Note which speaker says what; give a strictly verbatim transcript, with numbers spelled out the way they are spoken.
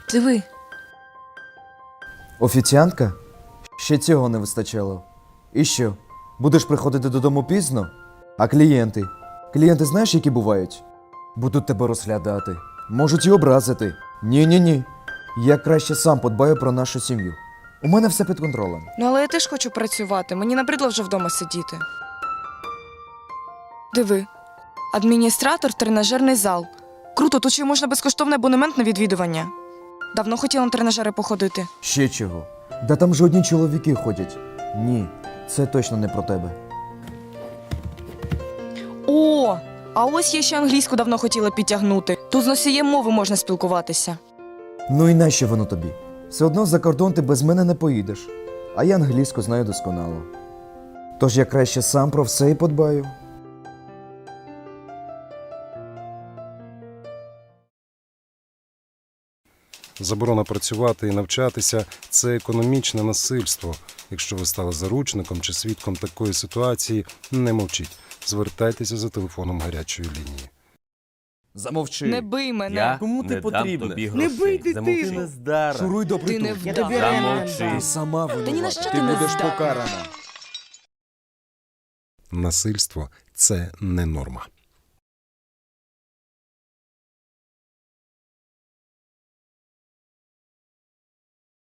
Speaker 1: Диви.
Speaker 2: Офіціантка? Ще цього не вистачало. І що? Будеш приходити додому пізно? А клієнти? Клієнти знаєш, які бувають? Будуть тебе розглядати. Можуть і образити. Ні-ні-ні. Я краще сам подбаю про нашу сім'ю. У мене все під контролем.
Speaker 1: Ну, але я теж хочу працювати. Мені набридло вже вдома сидіти. Диви. Адміністратор, тренажерний зал. Круто, тут ще й можна безкоштовний абонемент на відвідування. Давно хотіла на тренажери походити.
Speaker 2: Ще чого? Да там же одні чоловіки ходять. Ні, це точно не про тебе.
Speaker 1: О, а ось я ще англійську давно хотіла підтягнути. Тут з носієм мови можна спілкуватися.
Speaker 2: Ну і нащо воно тобі? Все одно за кордон ти без мене не поїдеш. А я англійську знаю досконало. Тож я краще сам про все і подбаю.
Speaker 3: Заборона працювати і навчатися – це економічне насильство. Якщо ви стали заручником чи свідком такої ситуації, не мовчіть. Звертайтеся за телефоном гарячої лінії.
Speaker 4: Замовчи.
Speaker 1: Не бий мене.
Speaker 5: Я
Speaker 4: Кому ти
Speaker 5: не
Speaker 4: потрібна?
Speaker 5: дам тобі
Speaker 4: Не
Speaker 5: грошей.
Speaker 4: бий дитину.
Speaker 5: Замовчи.
Speaker 4: Ти не здара.
Speaker 2: Шуруй до
Speaker 1: Ти не
Speaker 2: притулку.
Speaker 1: вдав.
Speaker 5: Замовчи.
Speaker 2: Ти сама винувата.
Speaker 1: Та ні на що
Speaker 2: ти
Speaker 1: ти не
Speaker 2: будеш
Speaker 1: здатна.
Speaker 2: покарана.
Speaker 3: Насильство – це не норма.